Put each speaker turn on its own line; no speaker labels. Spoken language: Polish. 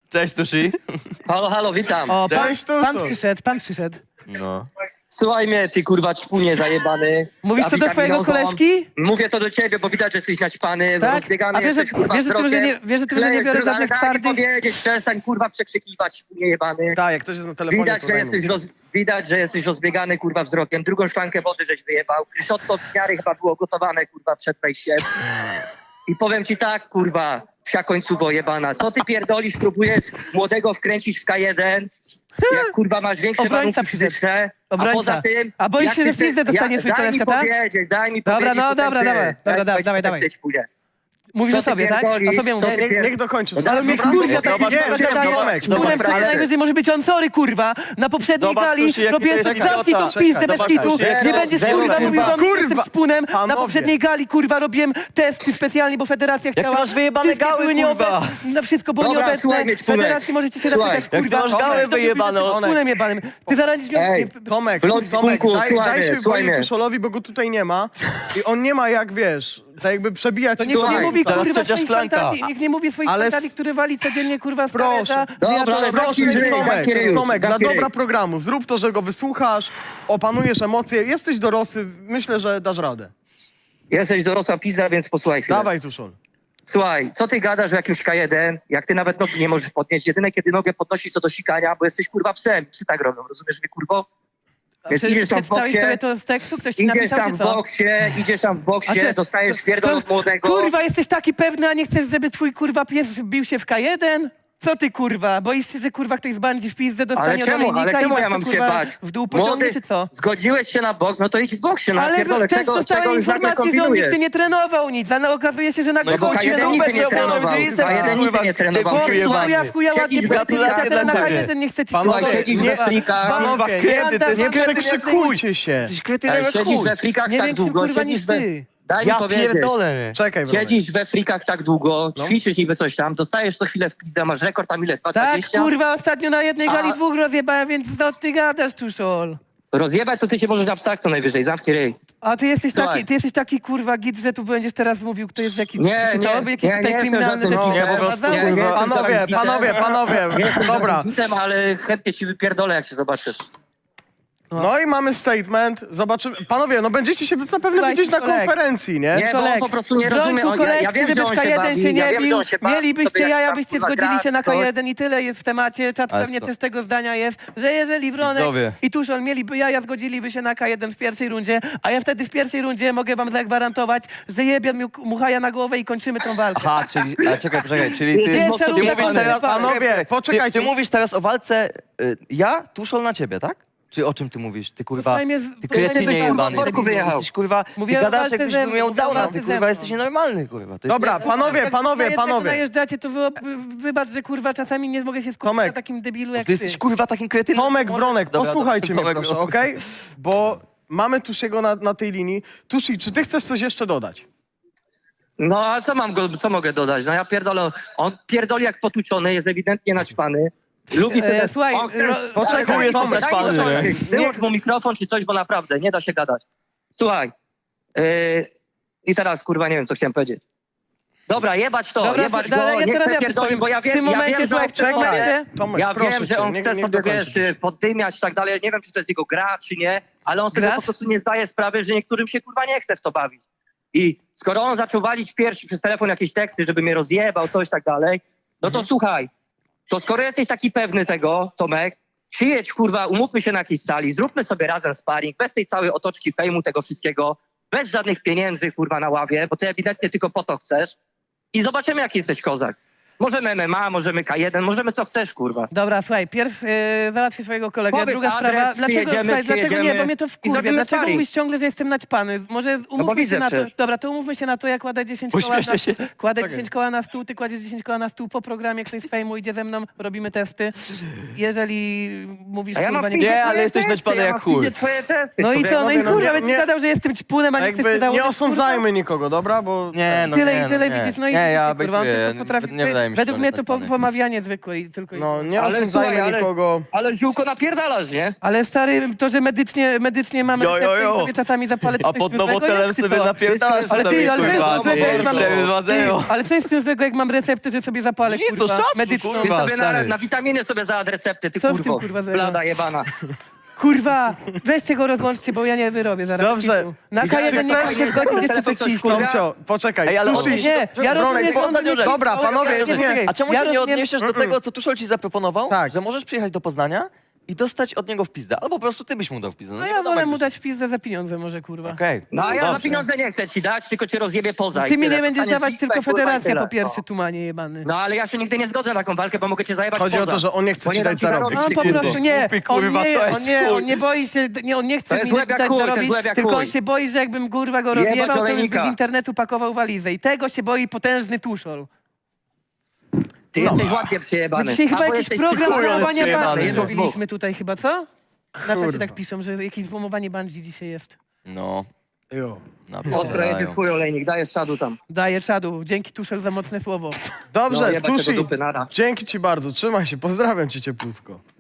Cześć, Tushi.
Halo, halo, witam.
O,
Cześć, Tuszu.
pan przyszedł.
No.
Słuchaj mnie, ty kurwa czpunie zajebany.
Mówisz to do swojego
Witaminozą.
koleżki?
Mówię to do ciebie, bo widać, że jesteś naćpany,
Tak?
rozbiegany
A wiesz, że-
jesteś, kurwa,
wiesz, że tym, że nie-
wzrokiem.
wiesz, że tym, że nie
Klejesz
biorę
drugą,
żadnych
ale daj mi
twardych-
powiedzieć, przestań kurwa przekrzykiwać, czpunie jebany.
Tak, jak ktoś jest na telefonie,
Widać,
to
że
daj mu.
widać, że jesteś rozbiegany, kurwa, wzrokiem. Drugą szklankę wody żeś wyjebał. Kryszotto w miarę chyba było gotowane, kurwa, przed wejściem. I powiem ci tak, kurwa, psia końcówo jebana. Co ty pierdolisz, próbujesz młodego wkręcić w K1, jak kurwa masz większe
Obrońca
warunki
przyszedł.
fizyczne, a
Obrońca.
poza tym...
A boisz
jak
się,
ty
że w pizdę dostanie twój koleżka, tak?
Daj mi
Dobra,
powiedzieć,
no,
potem
dobra,
ty.
dobra, dobra,
Daj mi
dawaj,
potem
dawaj.
ty, ćpunie.
Mówisz
Co
o
ty
sobie, tak?
pierdolisz?
O sobie
Co ty
mówię.
pier-
Niech dokończy.
No
Ale mnie
Dobra,
kurwa
dobra,
tak
dobra,
gadają.
Tomek,
Szpunem
Tomek,
to
ale-
najwyżej może być on, sorry kurwa. Na poprzedniej
Zobacz,
gali
Tusi, jaki
robiłem
to jest
zamknij tą
idiota.
pizdę bez
Zobacz,
kitu.
Tusi,
Nie będziesz
zero,
kurwa mówił do mnie, że
kurwa.
jestem szpunem. Na
Panowie.
poprzedniej gali kurwa robiłem testy specjalnie, bo federacja chciała.
ty masz wyjebane
Wszystkie
gały,
były
kurwa?
Na wszystko było
Dobra,
nieobecne.
słuchaj mnie, Ćpunek.
Federacji możecie się
Słuchaj.
zapytać,
Jak ty
kurwa.
masz gały
Tomek,
wyjebane,
to
Tomek.
szpunem jebanym. Ty zaraz
Ej,
Tomek,
Blond spunku,
daj
słuchaj
się
mnie, słuchaj
wypowiedzieć
mnie.
Tuszolowi, bo go tutaj nie ma. I on nie ma jak, wiesz, tak jakby przebijać
To
ci
nikt nie
Słuchaj,
mówi
teraz
kurwa
trzecia
swoich
szklanka.
fantazji. Nikt nie mówi swoich
Ale
fantazji, który wali codziennie kurwa z
Proszę.
talerza, że ja
Dobra,
to
ale
robię.
zamknij ryj,
Tomek,
zamknij ryj już,
Tomek, dla
zamknij ryj.
dobra programu, zrób to, że go wysłuchasz, opanujesz emocje, jesteś dorosły, myślę, że dasz radę.
Jesteś dorosła pizda, więc posłuchaj chwilę.
Dawaj, Tuszol.
Słuchaj, co ty gadasz o jakimś K1, jak ty nawet nogi nie możesz podnieść? Jedyne, kiedy nogę podnosisz, to do sikania, bo jesteś kurwa psem. Psy tak robią, rozumiesz mnie, kurwo? Więc idziesz tam w
Przeczytałeś
boksie,
sobie to z tekstu? Ktoś ci
idziesz
napisał,
tam
czy
w
co?
boksie,
A ty-
dostajesz pierdol od młodego.
Kurwa, jesteś taki pewny, a nie chcesz, żeby twój kurwa pies bił się w K1? Co ty kurwa? Boisz się, że kurwa ktoś zbandzi w pizdę, dostanie
Ale czemu
olejnika i
ja
was to,
mam się
kurwa,
bać?
w dół pociągnie, czy co?
Zgodziłeś się na boks, no to idź w boksie, no
Ale
pierdolę,
też
czego
dostałem
już nagle
informację, że on
kombinujesz?
nigdy nie trenował nic, ale okazuje się, że nagle
No bo
kończy
K1
na
nigdy nie
obecnie
trenował, K1 nigdy nie trenował.
Bo
Słuchaj,
ja w chuja ładnie
siedzisz we
gratulacje,
frikach,
teraz na
dla
K1 nie chce ci
Panowie,
Słuchaj, siedzisz we frikach,
Panowie,
kiedy?
nie przekrzykujcie się.
Jesteś kretynem jak
siedzisz
chuj.
we frikach
Nie
tak
większym
długo,
kurwa
siedzisz
niż
we...
ty.
Daj mi
Ja
powiedzieć.
pierdolę.
Czekaj, Wronek.
Siedzisz we frikach tak długo,
No.
ćwiczysz niby coś tam, dostajesz co chwilę w pizdę, masz rekord tam ile? 2,20?
Tak, kurwa, ostatnio na jednej gali
A-
2 rozjebałem, więc co ty gadasz, Tuszol?
Rozjebać to ty się możesz na psach co najwyżej, zamknij ryj.
A
Słuchaj.
ty jesteś taki kurwa git, że tu będziesz teraz mówił, kto jest jakiś
Nie, nie,
jakieś
nie,
tutaj
nie jestem
kryminalne
żadnym
rzeczy.
gitem.
Nie, po prostu,
Nie,
kurwa.
jestem
Panowie,
żadnym gitem.
panowie,
Nie jestem
dobra.
żadnym gitem, ale chętnie ci wypierdolę, jak się zobaczysz.
No i mamy statement, zobaczymy. Panowie, no będziecie się zapewne
Słuchaj,
widzieć na
kolego.
konferencji, nie?
Nie, bo on po prostu nie rozumie.
Broń tu
Ja wiem,
koleżki,
że
żeby
on
w
się
K1
bawi,
się
ja
nie
wiem, że
bił.
on się bawi,
Mielibyście
sobie jak
jaja,
tam,
byście
kurwa,
zgodzili
grać,
się na
coś.
K1 i tyle jest w temacie. Czat
Ale
pewnie
co?
też tego zdania jest, że jeżeli Wronek
Widzowie.
i Tuszol mieliby jaja, zgodziliby się na K1 w pierwszej rundzie, a ja wtedy w pierwszej rundzie mogę wam zagwarantować, że jebie mi muchaja na głowę i kończymy tą walkę.
Aha, czyli, ale czekaj, czyli ty,
Pierwsza
ty
runda
mówisz teraz,
Panowie, poczekajcie.
Ty mówisz teraz o walce, ja, Tuszol na ciebie, tak? Czy o czym ty mówisz? Ty kurwa,
Posłuchaj mnie
ty
posłuchaj
kretynie
mnie
jebany.
z worku wyjechał.
Jesteś kurwa, ty
Mówię o
gadasz
walce
jakbyś
ze mną,
miał
mówię o
downa,
walce
ty
ze
kurwa
mną.
jesteś nienormalny kurwa. Ty
Dobra,
Jak
panowie.
najeżdżacie, to wybacz, że kurwa czasami nie mogę się skupić
Tomek.
na takim debilu jak
Ty jesteś kurwa takim kretynem.
Tomek, Wronek,
Dobra,
posłuchajcie mnie
Tomek,
proszę, okej? Bo mamy Tusiego na tej linii. Tusi, czy ty chcesz coś jeszcze dodać?
No a co mogę dodać? No ja pierdolę, on pierdoli jak potłuczony, jest ewidentnie naćpany. Lubi sobie...
Słuchaj,
on chce-
poczekaj,
Daj mi
jesteś
Tomek, daj mi
naćpany,
dokończyć. Wyłącz mu mikrofon czy coś, bo naprawdę nie da się gadać. Słuchaj, i teraz kurwa nie wiem, co chciałem powiedzieć. Dobra, jebać to,
Dobra,
jebać
ale
go,
ja
nie
teraz
chcę
ja
pierdolić,
powiem.
bo ja
W tym
wiem,
momencie,
że on
słuchaj, w tym
chce sobie...
momencie-
Tomek,
Ja
proszę
wiem, że
cię,
on chce
niech
sobie,
dokończysz.
wiesz, poddymiać i tak dalej. Nie wiem, czy to jest jego gra, czy nie, ale on sobie
Grasz?
po prostu nie zdaje sprawy, że niektórym się kurwa nie chce w to bawić. I skoro on zaczął walić pierwszy przez telefon jakieś teksty, żeby mnie rozjebał, coś tak dalej, no to słuchaj, to skoro jesteś taki pewny tego, Tomek, przyjedź kurwa, umówmy się na jakiejś sali, zróbmy sobie razem sparring, bez tej całej otoczki fejmu, tego wszystkiego, bez żadnych pieniędzy kurwa na ławie, bo ty ewidentnie tylko po to chcesz i zobaczymy, jaki jesteś kozak. Możemy MMA, możemy K1, możemy co chcesz, kurwa.
Dobra, słuchaj, pierw załatwię swojego kolegę,
Powiedz
druga
adres,
sprawa, dlaczego nie,
przyjedziemy
bo mnie to
i
wkurwia,
zrobimy
dlaczego
sparring.
mówisz ciągle, że jestem naćpany? Może umówmy się
widzę
na to,
przecież.
dobra, to umówmy się na to, ja kładę 10 koła
Uśmieszę
na,
się.
kładę
Czekaj.
10 koła na stół, ty kładziesz 10 koła na stół po programie, ktoś z fejmu idzie ze mną, robimy testy. Jeżeli mówisz,
A ja mam
kurwa,
w
nie...
piździe
Nie, ale
twoje
jesteś
testy,
naćpany
ja
jak
mam w piździe
chuj.
twoje testy.
No i
człowieku.
co, no i
no
kurwa,
nie-
będziesz
nie-
gadał, że jestem ćpunem, a nie chcesz się
Jakby
założyć,
nie
kurwa?
osądzajmy nikogo, dobra? Bo
Nie, no
Tyle
nie,
i tyle
nie.
widzisz, no i
nie, ja
widzicie, kurwa, on
bejtuję,
tylko potrafi...
nie wydaje wydaje mi się.
Według
że
mnie
on
to
jest naćpany.
pomawianie zwykłe i tylko...
No, nie
Ale
osądzajmy
słuchaj, ale-
nikogo.
Ale ziółko napierdalasz, nie?
Ale stary, to, że medycznie mamy
Jo, jo,
receptę
jo.
i sobie czasami zapalę... to
A
coś
pod
złego?
nowotelem
Jak ty
sobie
to?
napierdalasz
Ale
ty,
sobie,
ale to jest
kurwa,
złego, jak mam...
4-2-0.
Ale co jest z tym złego, jak mam receptę, że sobie zapalę,
Nic, to
kurwa,
szacun,
medyczną?
Ty
kurwa.
sobie
stary.
na witaminy sobie załatw recepty, ty
Co w tym,
kurwo.
kurwa, złego?
Blada jebana.
Kurwa, weźcie go rozłączcie, bo ja nie wyrobię zaraz.
Dobrze.
Kitu. Na
I zaraz
K1 nie
chcesz-
mogę zgodzić jeszcze
telefon
coś
coś
cisnąć.
kurwa?
Tomcio, poczekaj.
Ej, ale
Tushi,
odnieś-
Nie, ja
Bronek,
rozumiem, że on
ostatnią
nie
rzecz.
Dobra, panowie,
Czekaj,
A czemu
ja
się nie
rozumiem-
odniesiesz do tego, co Tuszol ci zaproponował?
Tak.
Że możesz przyjechać do Poznania i dostać od niego w pizdę. Albo po prostu ty byś mu dał w pizdę.
No
nie
ja
wiadomo,
wolę
jak
mu
byś-
dać w pizdę za pieniądze może, kurwa.
Okej.
No a ja za
Dobrze.
pieniądze nie chcę ci dać, tylko cię rozjebie poza. i
Ty mi
tyle.
nie będziesz
Dostaniesz
dawać,
listę,
tylko
kurwa, i
federacja
tyle.
po pierwsze, tumanie jebany.
No ale ja się nigdy nie zgodzę na taką walkę, bo mogę cię zajebać
Chodzi o
poza.
to, że on nie chce
Bo
ci
nie
dać
dam ci
zarobić.
zarobić,
No
ty
po
kurwo.
prostu nie,
Głupi, kurwa, to jest chuj.
on nie boi się, on nie chce
To jest
mi
łeb jak
dać
chuj, to jest
zarobić,
łeb jak
tylko
chuj.
on się boi, że jakbym kurwa go
Jebać
rozjebał, to bym
olejnika.
z internetu pakował walizę i tego się boi potężny Tuszol.
Ty jesteś ładnie przyjebany.
My dzisiaj chyba
Albo
jakiś
jesteś
program
chuj, ale
złomowania
przyjebany,
bandzi
jedno z dwóch.
robiliśmy tutaj chyba, co? Na czacie
Kurwa.
tak piszą, że jakieś złomowanie bandzi dzisiaj jest.
No.
Jo.
Ostro jedzie twój olejnik, dajesz szadu tam.
Daję czadu, dzięki Tuszel za mocne słowo.
No,
Dobrze,
jebać tego
Tushi,
dupy, nara.
dzięki ci bardzo. Trzymaj się, pozdrawiam cię cieplutko.